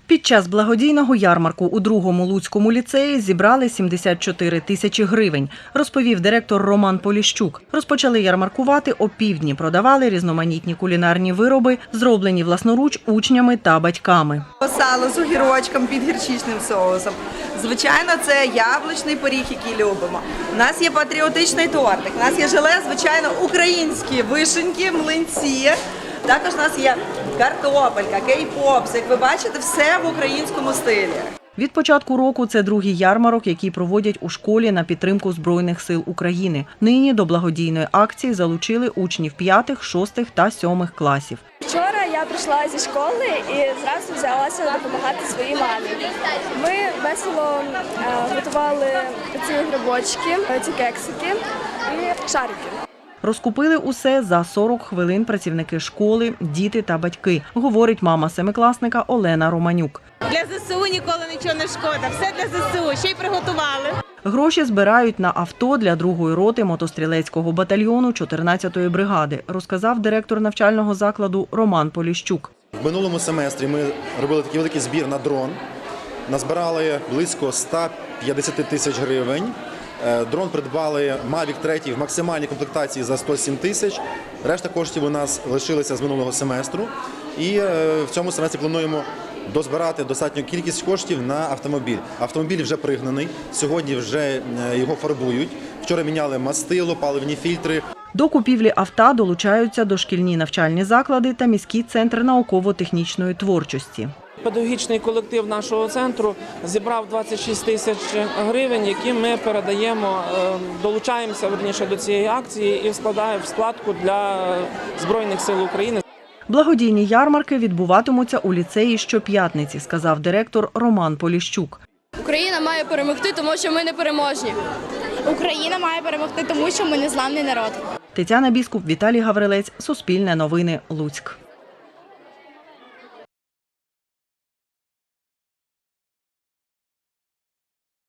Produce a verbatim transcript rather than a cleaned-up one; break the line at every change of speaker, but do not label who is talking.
Під час благодійного ярмарку у другому Луцькому ліцеї зібрали сімдесят чотири тисячі гривень, розповів директор Роман Поліщук. Розпочали ярмаркувати опівдні, продавали різноманітні кулінарні вироби, зроблені власноруч учнями та батьками.
Сало з огірочком під гірчичним соусом. Звичайно, це яблучний пиріг, який любимо. У нас є патріотичний тортик, у нас є желе, звичайно, українські вишеньки, млинці. Також у нас є картопелька, кей-попс. Як ви бачите, все в українському стилі.
Від початку року це другий ярмарок, який проводять у школі на підтримку Збройних сил України. Нині до благодійної акції залучили учнів п'ятих, шостих та сьомих класів.
Вчора я прийшла зі школи і зразу взялася допомагати своїй мамі. Ми весело е, готували ці грибочки, ці кексики і шарики.
Розкупили усе за сорок хвилин працівники школи, діти та батьки, говорить мама семикласника Олена Романюк.
Для ЗСУ ніколи нічого не шкода, все для ЗСУ, ще й приготували.
Гроші збирають на авто для другої роти мотострілецького батальйону чотирнадцятої бригади, розказав директор навчального закладу Роман Поліщук.
В минулому семестрі ми робили такий великий збір на дрон, назбирали близько ста п'ятдесят тисяч гривень. Дрон придбали Мавік три в максимальній комплектації за сто сім тисяч. Решта коштів у нас лишилися з минулого семестру. І в цьому семестрі плануємо дозбирати достатню кількість коштів на автомобіль. Автомобіль вже пригнаний, сьогодні вже його фарбують. Вчора міняли мастило, паливні фільтри.
До купівлі авто долучаються дошкільні навчальні заклади та міський центр науково-технічної творчості.
Педагогічний колектив нашого центру зібрав двадцять шість тисяч гривень, які ми передаємо, долучаємося верніше до цієї акції і складаємо в складку для Збройних сил України.
Благодійні ярмарки відбуватимуться у ліцеї щоп'ятниці, сказав директор Роман Поліщук.
Україна має перемогти, тому що ми не переможні.
Україна має перемогти, тому що ми незламний народ.
Тетяна Біскуп, Віталій Гаврилець, Суспільне новини, Луцьк.